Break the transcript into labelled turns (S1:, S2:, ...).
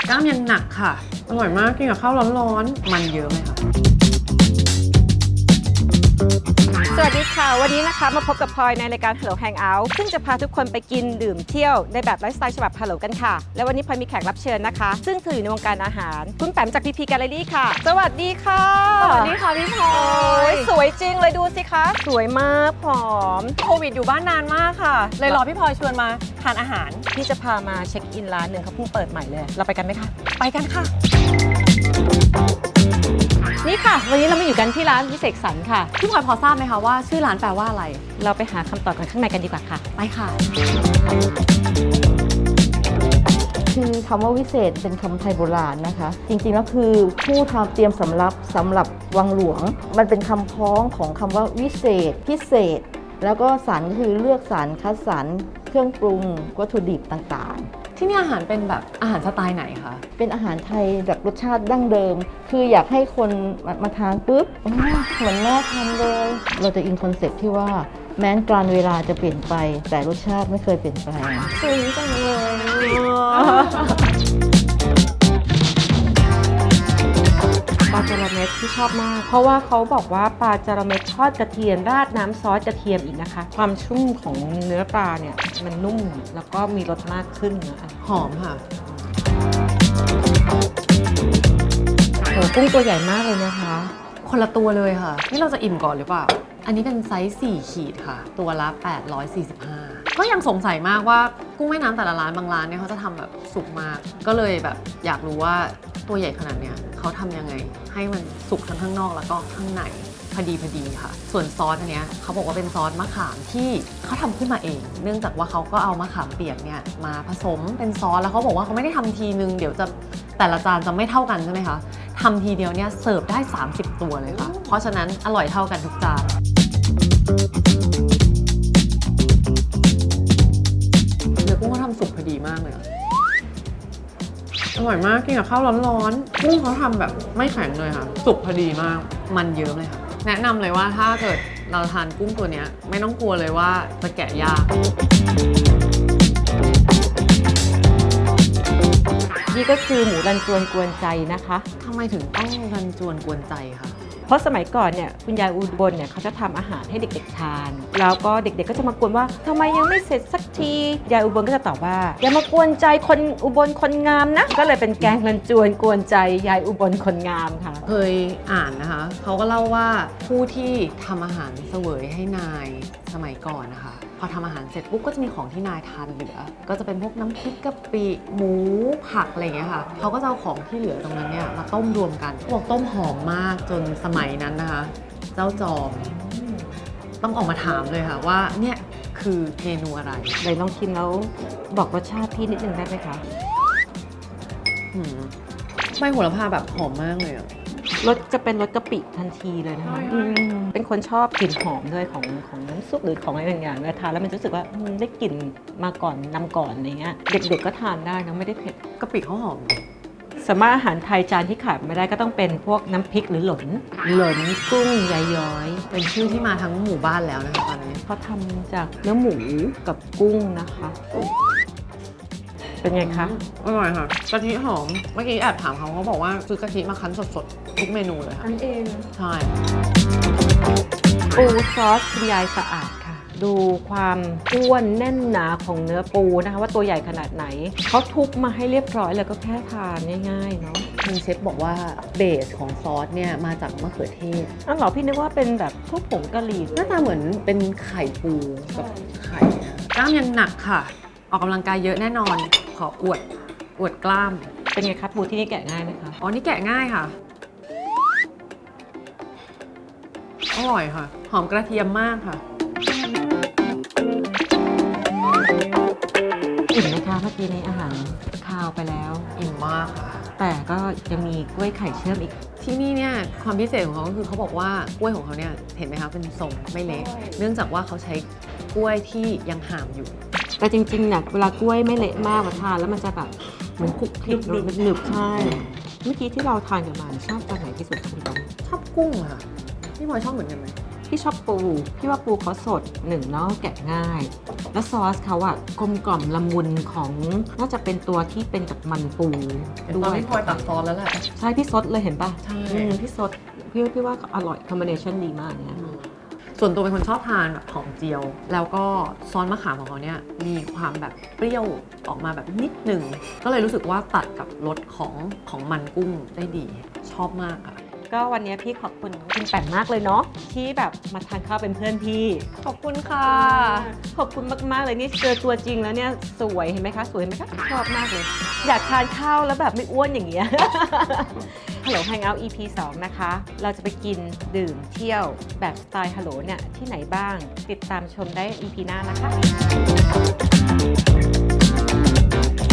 S1: กล้ามยังหนักค่ะอร่อยมากกินกับข้าวร้อนๆมันเยอะไหมคะ
S2: สวัสดีค่ะวันนี้นะคะมาพบกับพลอยในรายการ Hello Hangout ซึ่งจะพาทุกคนไปกินดื่มเที่ยวในแบบไลฟ์สไตล์ฉบับ Hello กันค่ะและวันนี้พลอยมีแขกรับเชิญนะคะซึ่งเธออยู่ในวงการอาหารคุณแปมจาก PP Gallery ค่ะสวัสดีค่ะ
S1: สวัสดีค่ะพี่พลอ
S2: โอ้
S1: ย
S2: ยสวยจริงเลยดูสิคะสวยมากผอม
S1: โควิดอยู่บ้านนานมากค่ะเลยรอพี่พลอยชวนมาทานอาหาร
S2: พี่จะพามาเช็คอินร้านหนึ่งเขาเพิ่งเปิดใหม่เลยเราไปกันไหมคะ
S1: ไปกันค่ะ
S2: นี่ค่ะวันนี้เรามาอยู่กันที่ร้านวิเศษสันค่ะ
S1: พี่พลอยพอทราบไหมคะว่าชื่อร้านแปลว่าอะไร
S2: เราไปหาคำตอบกันข้างในกันดีกว่าค่ะ
S1: ไปค่ะ
S3: คือคำว่าวิเศษเป็นคำไทยโบราณนะคะ จริงๆแล้วคือผู้ทำเตรียมสำหรับวังหลวง มันเป็นคำพ้องของคำว่าวิเศษพิเศษ แล้วก็สรรคือเลือกสรรคัดสรรเครื่องปรุงวัตถุดิบต่างๆ
S1: ที่นี่อาหารเป็นแบบอาหารสไตล์ไหนคะ
S3: เป็นอาหารไทยแบบรสชาติดั้งเดิม คืออยากให้คนมาทานปุ๊บเหมือนแม่ทำเลย เราจะอินคอนเซ็ปต์ที่ว่าแม้นกาลเวลาจะเปลี่ยนไป แต่รสชาติไม่เคยเปลี่ยนแปลง
S2: ซึ้งจังเลยปลาจาระเม็ดที่ชอบมาก เพราะว่าเขาบอกว่าปลาจาระเม็ดทอดกระเทียมราดน้ำซอสกระเทียมอีกนะคะ ความชุ่มของเนื้อปลาเนี่ยมันนุ่มแล้วก็มีรสมากขึ้นนะคะ
S1: หอมค่ะ
S2: โหกุ้งตัวใหญ่มากเลยนะคะ
S1: คนละตัวเลยค่ะ นี่เราจะอิ่มก่อนหรือเปล่า อันนี้เป็นไซส์4ขีดค่ะ ตัวละ 845 ก็ยังสงสัยมากว่ากุ้งแม่น้ำแต่ละร้านบางร้านเนี่ยเขาจะทำแบบสุกมาก ก็เลยแบบอยากรู้ว่าตัวใหญ่ขนาดเนี้ยเขาทำยังไง ให้มันสุกทั้งข้างนอกแล้วก็ข้างในพอดีค่ะ ส่วนซอสอันเนี้ยเขาบอกว่าเป็นซอสมะขามที่เขาทำขึ้นมาเอง เนื่องจากว่าเขาก็เอามะขามเปียกเนี่ยมาผสมเป็นซอสแล้วเขาบอกว่าเขาไม่ได้ทำทีนึงเดี๋ยวจะแต่ละจานจะไม่เท่ากันใช่ไหมคะทำทีเดียวเนี่ยเสิร์ฟได้30 ตัวเลยค่ะ เพราะฉะนั้นอร่อยเท่ากันทุกจานเนื้อกุ้งเขาทำสุกพอดีมากเลยอะอร่อยมากกินกับข้าวร้อนๆกุ้งเขาทำแบบไม่แข็งเลยค่ะ สุกพอดีมาก มันเยอะเลยค่ะ แนะนำเลยว่าถ้าเกิดเราทานกุ้งตัวเนี้ยไม่ต้องกลัวเลยว่าจะแกะยาก
S2: นี่ก็คือหมูรันจวนกวนใจนะคะ
S1: ทำไมถึงต้องรันจวนกวนใจคะ
S2: เพราะสมัยก่อนเนี่ยคุณยายอุบลเนี่ยเขาจะทำอาหารให้เด็กๆทาน แล้วก็เด็กๆก็จะมากวนว่าทำไมยังไม่เสร็จสักทียายอุบลก็จะตอบว่าอย่ามากวนใจคนอุบลคนงามนะก็เลยเป็นแกงรันจวนกวนใจยายอุบลคนงามค่ะ
S1: เคยอ่านนะคะเขาก็เล่าว่าผู้ที่ทำอาหารเสวยให้นายสมัยก่อนนะคะพอทำอาหารเสร็จปุ๊บก็จะมีของที่นายทานเหลือ ก็จะเป็นพวกน้ำพริกกะปิหมูผักอะไรอย่างเงี้ยค่ะเขาก็จะเอาของที่เหลือตรงนั้นเนี่ยมาต้มรวมกันเขาบอกต้มหอมมากจนสมัยนั้นนะคะเจ้าจอมต้องออกมาถามเลยค่ะว่าเนี่ยคือเมนูอะไร
S2: เลยลองชิมแล้วบอกรสชาติพี่นิดนึงได้ไหมคะ
S1: อืมใบโหระพาแบบหอมมากเลยอะ
S2: รสจะเป็นรสกะปิทันทีเลยนะคะเป็นคนชอบกลิ่นหอมด้วยของน้ำซุปหรือของอะไรบางอย่างเวลาทานแล้วมันรู้สึกว่าได้กลิ่นมาก่อนนำก่อนอะไรเงี้ยเด็กๆก็ทานได้นะไม่ได้เผ็ด
S1: กะปิเขาหอม
S2: สามารถอาหารไทยจานที่ขาดไม่ได้ก็ต้องเป็นพวกน้ำพริกหรือหลนกุ้งยายย้อย
S1: เป็นชื่อที่มาทั้งหมู่บ้านแล้วนะคะตอนนี้
S2: เขาทำจากเนื้อหมูกับกุ้งนะคะ เป็นไงคะ
S1: อร่อยค่ะกะทิหอมเมื่อกี้แอบถามเขาบอกว่าซื้อกะทิมาคั้นสดๆทุกเมนูเลยค่ะ
S2: อันเอง
S1: ใช่
S2: ปูซอสคุณยายสะอาดค่ะ ดูความอ้วนแน่นหนาของเนื้อปูนะคะว่าตัวใหญ่ขนาดไหนเขาทุบมาให้เรียบร้อยแล้วก็แค่ทานง่ายๆเนาะ
S1: ทางเชฟบอกว่าเบสของซอสเนี่ยมาจากมะเขือเทศ
S2: อ้าวเหรอพี่นึกว่าเป็นแบบพวกผงกะหรี่
S1: หน้าตาเหมือนเป็นไข่ปูกับไข่นะกล้ามยังหนักค่ะ ออกกำลังกายเยอะแน่นอน ขออวดกล้าม
S2: เป็นไงครับปูที่นี่แกะง่ายไหมคะ
S1: อ๋อนี่แกะง่ายค่ะ อร่อยค่ะ หอมกระเทียมมากค่ะ
S2: อิ่มไหมคะเมื่อกี้นี้อาหารคาวไปแล้ว
S1: อิ่มมากค่ะ
S2: แต่ก็ยังมีกล้วยไข่เชื่อมอีก
S1: ที่นี่เนี่ยความพิเศษของเขาก็คือเขาบอกว่ากล้วยของเขาเนี่ยเห็นไหมคะเป็นทรงไม่เละเนื่องจากว่าเขาใช้กล้วยที่ยังห่ามอยู่
S2: แต่จริงๆเนี่ยเวลากล้วยไม่เละมากมาทานแล้วมันจะแบบเหมือนคลุกคลิกหนึบๆใช่ เมื่อกี้ที่เราทานกันมาชอบตัวไหนที่สุดคะพี่บอล
S1: ชอบกุ้งอะค่ะพี่พลอยชอบเหมือนกันไหม
S2: พี่ชอบปูพี่ว่าปูเขาสดหนึ่งเนาะแกะง่าย แล้วซอสเขาอะกลมกล่อมละมุนของน่าจะเป็นตัวที่เป็นกับมันปู
S1: ตอนที่พลอยตักซอสแล้วแหละ
S2: ใช่พี่ซดเลยเห็นปะ
S1: ใช่
S2: พี่ซดพี่ว่าอร่อยคอมบิเนชันดีมากเนี่ย
S1: ส่วนตัวเป็นคนชอบทานแบบหอมเจียว แล้วก็ซอสมะขามของเขาเนี่ยมีความแบบเปรี้ยวออกมาแบบนิดหนึ่งก็เลยรู้สึกว่าตัดกับรสของมันกุ้งได้ดี ชอบมากค่ะ
S2: ก็วันนี้พี่ขอบคุณคุณแป่นมากเลยเนาะที่แบบมาทานข้าวเป็นเพื่อนพี่
S1: ขอบคุณค่ะ
S2: ขอบคุณมากๆเลยนี่เจอตัวจริงแล้วเนี่ยสวยเห็นไหมคะสวยเห็นไหมคะชอบมากเลย อยากทานข้าวแล้วแบบไม่อ้วนอย่างเงี้ย ฮัลโหล Hangout EP 2 นะคะ เราจะไปกินดื่มเที่ยวแบบสไตล์ฮัลโหลเนี่ยที่ไหนบ้าง ติดตามชมได้ EP หน้านะคะ